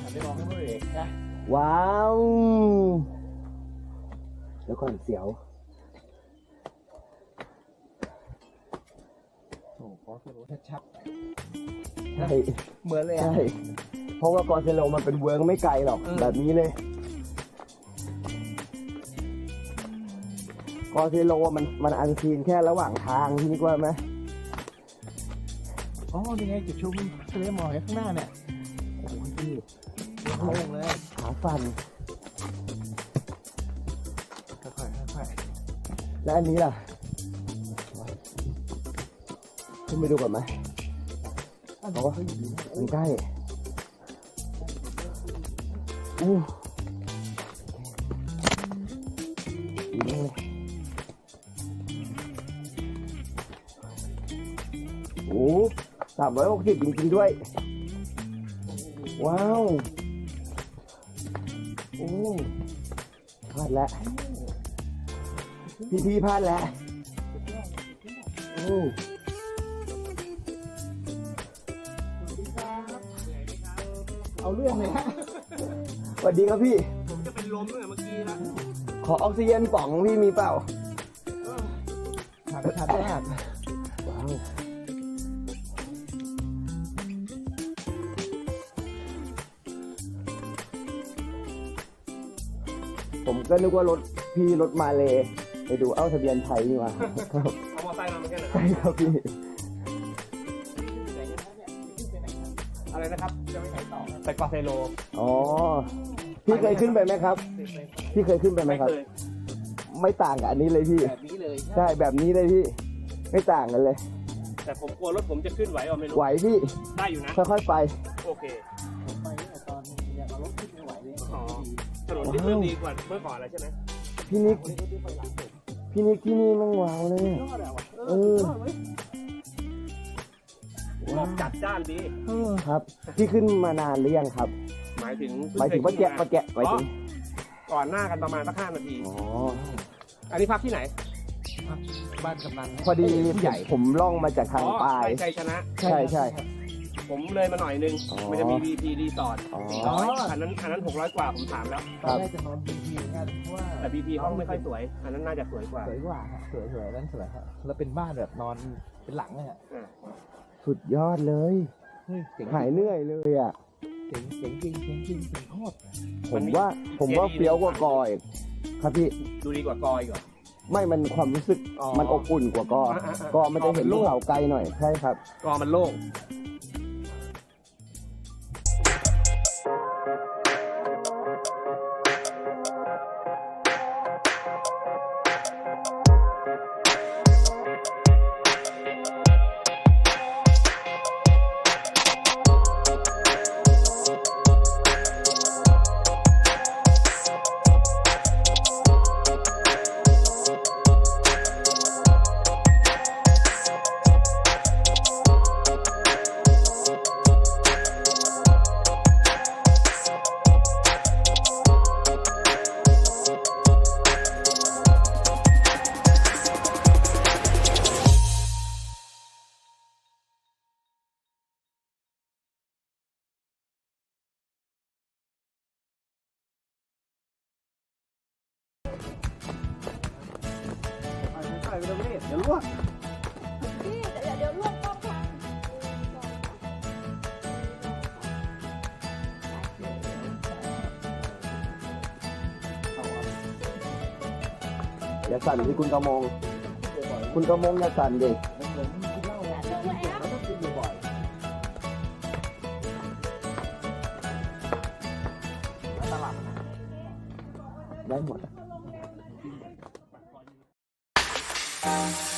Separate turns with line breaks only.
ไปมองให้มันเลยนะ
ว้าวแล้วก่อนเสียว
โอ้โหขอรู้ชัด
ใช่
ๆเหมือนเลย
ใช่เพราะว่ากอเซโลมันเป็นเวิร์กไม่ไกลหรอกแบบนี้เลยกอเซโลมันอันซีนแค่ระหว่างทางที่นี่ว่าไหม
อ๋อนี่ไงจุดชมทะเลหมอกข้างหน้าเนี่ย
โอ้โหพี่
โล่งเลย
ขาสั่น
ค่อยๆค่อย
และอันนี้ล่ะขึ้นไปดูก่อนไหม
ๆเพราะว่าเขาอยู่ดีนะ
มันใกล้อู้ดีมากเลยโอ้360จริงๆด้วย ว้าว โอ้พลาดแล้ว พี่พลาดแล้ว โอ้
เอาเรื่องเลยฮะ
สวัสดีครับพี่
ผมจะเป็นลมเลยเมื่อกี้นะ
ขอออกซิเจนป๋องพี่มีเปล่า
ชัดมาก
ว้าว ผมก็นึกว่ารถพี่รถมาเลยไปดูเอ้าทะเบียนไทยนี่หว่าครับ
เอามอไซค์มาเหมือนกันเหรอ
ใช่ครับพี่
อะไรนะครับจะไปไหนต่อไปกอเซโล
อ๋อ พี่เคยขึ้นไปไหมครับ พี่เคยขึ้นไปไหม
ไม่
ครับ
เคย
ไม่ต่างกับอันนี้เลยพี่
แบบนี้เลย
ใช่แบบนี้เลยพี่ ไม่ต่างกันเลย
แต่ผมกลัวรถผมจะขึ้นไหวอ่ะไม่รู้
ไหวพี่
ได้อยู่นะ
ค่อยๆไป
โอเค
ผมไปเนี่ยตอนอยากเอารถขึ้นไม่ไหวเลย
อ๋อถนนที่เริ่มดีกว่าเมื่อก่อนแล้วใช่ไหม
พี่นิก พี่นิกที่นี่แมันว้าวเลย
ยอดอะว่ะ
เออ
หมอกจัดจ้านดี
ครับ พี่ขึ้นมานานหรือยังครับ
หมายถึง
หมายถึงว่าแกะหมายถึง
ก่อนหน้ากันประมาณสัก5 นาที
อ๋อ
อันนี้พักที่ไหน
บ้านกำนัน
พอดี
ใหญ่
ผมล่องมาจากทางปลาย
ใช่ชัยชนะ
ใช่ใช่
ผมเลยมาหน่อยนึง
อ๋อ
มันจะมี VP รีสอร์ท
อ๋อ
400อันนั้น600 กว่าผมถามแล้ว
ตอนแรกจะนอนบนทีเหมือนกันเพราะว่า
แต่ VP ห้องไม่ค่อยสวย อันนั้นน่าจะสวยกว่า
สวยกว่าฮะสวยนั่นสวยฮะแล้วเป็นบ้านแบบนอนเป็นหลังเลยฮะ
สุดยอดเลย
เฮ้ยเจ๋ง
หายเหนื่อยเลยอ่ะ
เจ๋งจริงเจ๋งจริงเจ๋งโคตร
ผมว่าเฟี้ยวกว่ากออีกครับพี่
ดูดีกว่ากอยก่อน
ไม่มันความรู้สึก
อ๋อ
มันอบอุ่นกว่ากอ
อ่าๆๆ
กอมันจะเห็น
กอมันโล่
ภู
ง
เขาไกลหน่อย ใช่ครับ
กอมันโล่ง
ใส่ไปตรงนี้เดี๋ยวล่วง
พี่เดี๋ยวล่วงกล้องก่อน
อย่าสั่นที่คุณกระมง คุณกระมงอย่าสั่นดิ
มันเหมือนกินเหล้าอะกินบ่อยแล้วต้องกินบ่อยๆตลาด
ได้หมด